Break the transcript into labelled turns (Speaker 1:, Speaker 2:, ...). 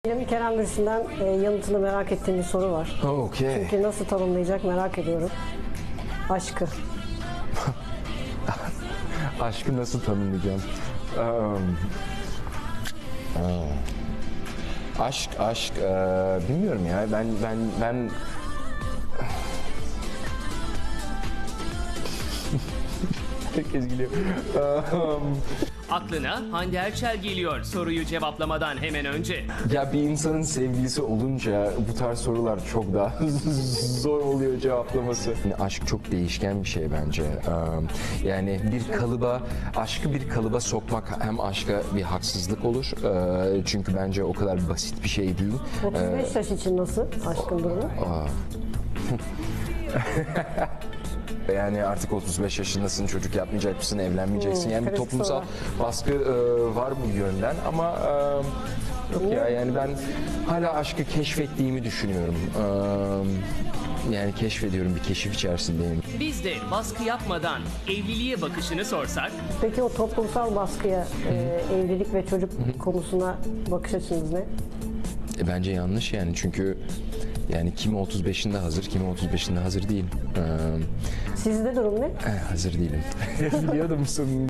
Speaker 1: Benim Kerem Bürsin'den yanıtını merak ettiğim bir soru var.
Speaker 2: Okay.
Speaker 1: Çünkü nasıl tanımlayacak merak ediyorum. Aşkı.
Speaker 2: Aşkı nasıl tanımlayacağım? Aşk, bilmiyorum ya. Ben herkes gülüyor.
Speaker 3: Aklına Hande Erçel geliyor soruyu cevaplamadan hemen önce.
Speaker 2: Ya bir insanın sevgilisi olunca bu tarz sorular çok daha zor oluyor cevaplaması. Yani aşk çok değişken bir şey bence. Yani aşkı bir kalıba sokmak hem aşka bir haksızlık olur. Çünkü bence o kadar basit bir şey değil.
Speaker 1: 35 yaş için nasıl aşkın durumu?
Speaker 2: Yani artık 35 yaşındasın, çocuk yapmayacak mısın, evlenmeyeceksin. Yani bir
Speaker 1: kritik
Speaker 2: toplumsal
Speaker 1: soru.
Speaker 2: baskı var bu yönden ama yok ya, yani ben hala aşkı keşfettiğimi düşünüyorum. Yani keşfediyorum, bir keşif içerisindeyim.
Speaker 3: Biz de baskı yapmadan evliliğe bakışını sorsak.
Speaker 1: Peki o toplumsal baskıya, evlilik ve çocuk konusuna bakış açınız ne?
Speaker 2: Bence yanlış yani, çünkü yani kimi 35'inde hazır, kimi 35'inde hazır değil.
Speaker 1: Sizde durum ne?
Speaker 2: Hazır değilim. Biliyordum musun?